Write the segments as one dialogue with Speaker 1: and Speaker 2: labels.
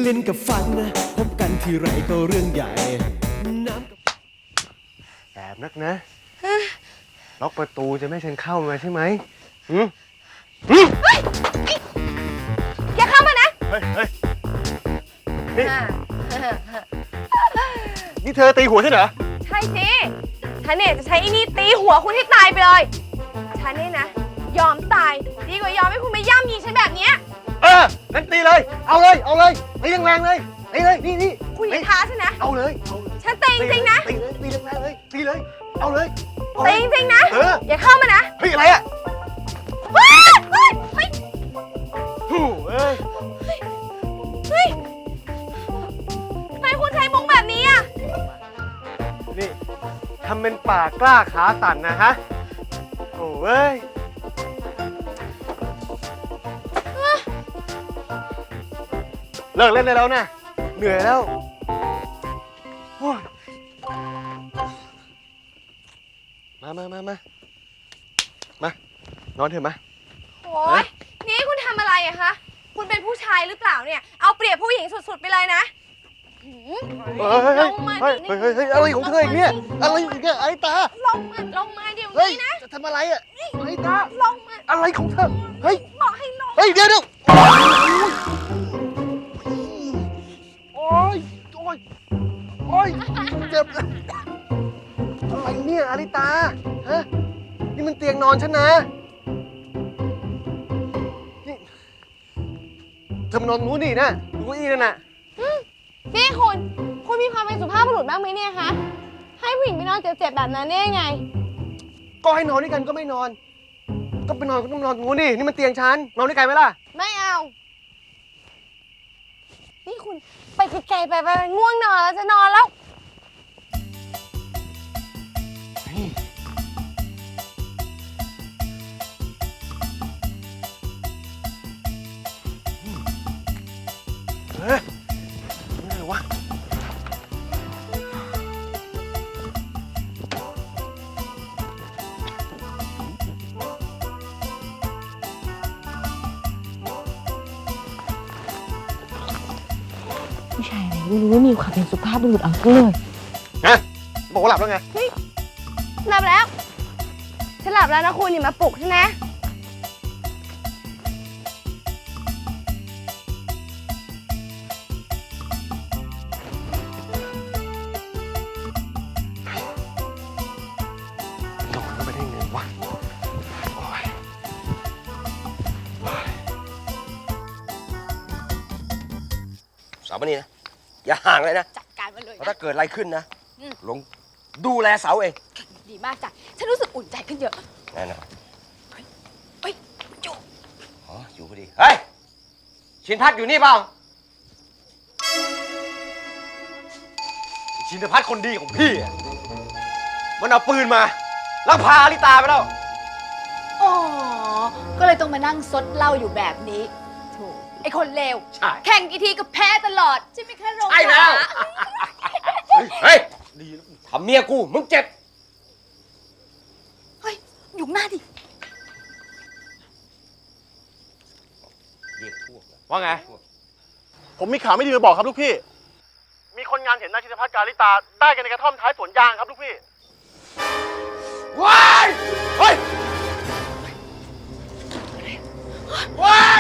Speaker 1: เล่นกับฟันนะพบกันทีไรก็เรื่องใหญ่น้ำ
Speaker 2: แอบนักนะล็อกประตูจะไม่ให้ฉันเข้ามาใช่ไหม
Speaker 3: อย่าเข้ามานะ
Speaker 2: เฮ้ยนี่เธอตีหัวฉันเหรอ
Speaker 3: ใช่สิฉันเนี่ยจะใช้อีนี่ตีหัวคุณให้ตายไปเลยฉันเนี่ยนะยอมตายดีกว่ายอมให้คุณมาย่ำยีฉันแบบเนี้ย
Speaker 2: งั้นตีเลยเอาเลยตีแรงๆเลยตีเลยนี่
Speaker 3: คุณอย่าท้าฉันนะ
Speaker 2: เอาเลย
Speaker 3: ฉันตีจริงๆนะ
Speaker 2: ตีแรงๆเลยตีเลยเอาเลย
Speaker 3: ตีจริงๆนะอย่าเข้ามานะ
Speaker 2: เฮ้ยอะไรอ่ะ
Speaker 3: เฮ้ยทำไมคุณใช้มุกแบบนี้อ่ะ
Speaker 2: นี่ทำเป็นปากกล้าขาสั่นนะฮะโอ้ยเลิกเล่นได้แล้วนะเหนื่อยแล้วมานอนเถอะมา
Speaker 3: โอ้ยนี่คุณทำอะไรอะคะคุณเป็นผู้ชายหรือเปล่าเนี่ยเอาเปรียบผู้หญิงสุดๆไปเลยนะลงมา
Speaker 2: เฮ้ยอะไรของเธออีกเนี่ยอะไรอีกเนี่ยไอ้ตา
Speaker 3: ลงมาเดี๋ยวนี้นะ
Speaker 2: จะทำอะไรอ่ะไอ้ตา
Speaker 3: ลงมา
Speaker 2: อะไรของเธอเฮ้ย
Speaker 3: บอกให้ลง
Speaker 2: เฮ้ยเดี๋ยวโอ๊ยเจ็บอะไรเนี่ยอาริตาฮะนี่มันเตียงนอนฉันนะนี่เธอมานอนนู้นนี่นะดูเก้าอี้นั่นน่ะ
Speaker 3: นี่คุณมีความเป็นสุภาพบุรุษบ้างไหมเนี่ยคะให้ผู้หญิงไปนอนเจ็บๆแบบนั้นได้ยังไง
Speaker 2: ก็ให้นอนด้วยกันก็ไม่นอนก็ไปนอนก็ต้องนอนนู้นนี่มันเตียงฉันนอนด้วยกันไหมล่ะ
Speaker 3: ไม่เอานี่คุณไปไกลๆไปง่วงนอนแล้วจะนอนแล้ว
Speaker 2: นี่อะไรวะ
Speaker 3: ผู้ชายไหนไม่รู้ว่ามีความเป็นสุภาพบุรุษเอาทั้งเลย
Speaker 2: บอกว่าหลับแล้วไง
Speaker 3: หลับแล้วฉันหลับแล้วนะคุณอย่ามาปลุกฉันนะ
Speaker 2: นอนก็ไม่ได้เงินวะสาวนี่นะอย่าห่างเลยนะ
Speaker 3: จัดการมันเลย
Speaker 2: ถ้าเกิดอะไรขึ้นนะลงดูแลเสาเอง
Speaker 3: ดีมากจ้ะฉันรู้สึกอุ่นใจขึ้นเยอะ
Speaker 2: แน่นอน
Speaker 3: เฮ้ยอยู่
Speaker 2: อยู่พอดีเฮ้ยชินพัฒน์อยู่นี่เปล่าชินพัฒน์คนดีของพี่มันเอาปืนมาแล้วพาอลิตาไปแล้ว
Speaker 4: อ๋อก็เลยต้องมานั่งซดเหล้าอยู่แบบนี้โถไอคนเลวแข่งกี่ทีก็แพ้ตลอดใช่ไหมคะโรง
Speaker 2: ใช่แล้วเฮ้ยดีทำเมียกูมึงเจ็บ
Speaker 4: เฮ้ยอยู่หน้าดิ
Speaker 2: เรียกพวกว่าไง
Speaker 5: ผมมีข่าวไม่ดีมาบอกครับลูกพี่มีคนงานเห็นนายชินพัฒน์กาลิตาได้กันในกระท่อมท้ายสวนยางครับลูกพี่
Speaker 2: ว้ายเฮ้ยว้าย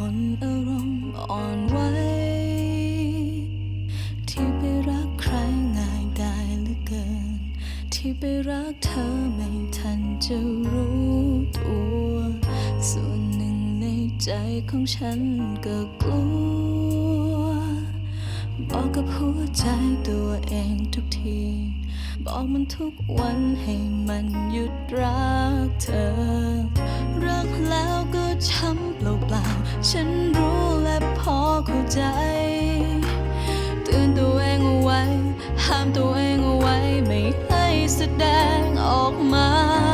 Speaker 6: คนอารมณ์อ่อนไหวที่ไปรักใครง่ายได้เหลือเกินที่ไปรักเธอไม่ทันจะรู้ตัวส่วนหนึ่งในใจของฉันก็กลัวบอกกับหัวใจตัวเองทุกทีบอกมันทุกวันให้มันหยุดรักเธอรักแล้วก็ช้ำเปล่าๆฉันรู้และพอเข้าใจเตือนตัวเองเอาไว้ห้ามตัวเองเอาไว้ไม่ให้แสดงออกมา